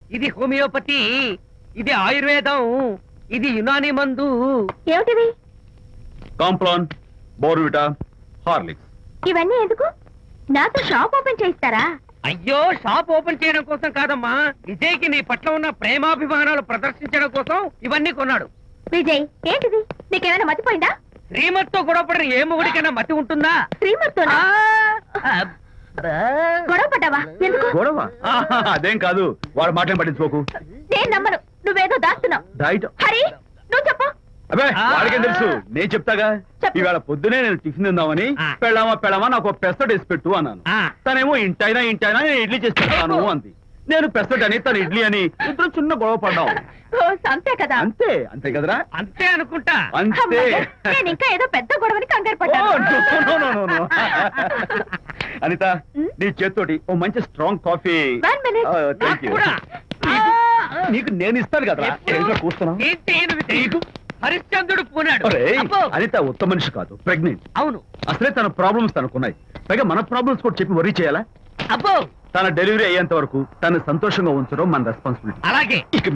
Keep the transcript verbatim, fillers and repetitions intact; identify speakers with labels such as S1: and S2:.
S1: ఇది హోమియోపతి, ఇది ఆయుర్వేదం, ఇది యునాని మందు.
S2: ఏమిటివి?
S3: Complan, Bournvita, Horlicks.
S2: ఇవన్నీ ఎందుకు? నాతో షాప్ ఓపెన్ చేయిస్తారా?
S1: అయ్యో, షాప్ ఓపెన్ చేయడం కోసం కాదమ్మా, విజయ్కి నీ పట్ల ఉన్న ప్రేమాభిమానాలు ప్రదర్శించడం కోసం ఇవన్నీ కొన్నాడు.
S2: విజయ్, ఏంటిది? నీకేమైనా మతిపోయిందా?
S1: శ్రీమతితో గొడవపడిన ఏ మొగుడికైనా మతి ఉంటుందా?
S2: శ్రీమతితో గొడవ పడ్డావా? ఎందుకు?
S3: గొడవ? ఆహా, అదేం కాదు. వాడు మాటలు పట్టించుకోకు.
S2: నేను నమ్మను. నువ్వేదో దాస్తున్నావు.
S3: డైట్.
S2: హరి, నువ్వు చెప్పు.
S3: అబ్బే, వాడికేం తెలుసు, నేను చెప్తాగా.
S2: చెప్పు.
S3: ఈవేళ పొద్దునే నేను టిఫిన్ తిందామని
S1: ఆ.
S3: పెళ్ళామా పెళ్ళామా నాకు ఒక పెసరట్ వేసి పెట్టు అన్నాను.
S1: ఆ.
S3: తనేమో ఇంటైనా ఇంటైనా నేను ఇడ్లీ చేసి పెడతాను అంది. నేను పెసరట్ అని తను ఇడ్లీ అని ఇద్దరు చిన్న గొడవ పడ్డాం.
S2: ఓ, అంతే కదా?
S3: అంతే అంతే కదరా?
S1: అంతే అనుకుంటా.
S3: అంతే.
S2: అమ్మయ్య, నేను ఇంకా ఏదో పెద్ద గొడవని కంగారు
S3: ఓ,
S2: పడ్డాను.
S3: no, no, no, no. Anitha,
S2: ఉమ్?
S3: నీ చేత్తోటి ఓ మంచి strong coffee.
S2: One minute.
S3: Thank you.
S1: కూడా.
S3: నీకు నేను ఇస్తాను కదరా.
S1: ఎప్పుడు?
S3: ఏంటో కూస్తున్నావు?
S1: ఏంటి ఈయన విజయ్? హరిశ్చంద్రుడు పూనాడు.
S3: ఒరేయ్,
S1: అబ్బో.
S3: అనిత ఉత్తమ మనిషి కాదు, ప్రెగ్నెంట్.
S1: అవును.
S3: అసలే తన ప్రాబ్లమ్స్ తనకున్నాయి. పైగా మన ప్రాబ్లమ్స్ కూడా చెప్పి వరీ చేయాలా?
S1: అబ్బో,
S3: తన డెలివరీ అయ్యేంత వరకు తను సంతోషంగా ఉంచడం మన రెస్పాన్సిబిలిటీ.
S1: అలాగే.
S3: ఇక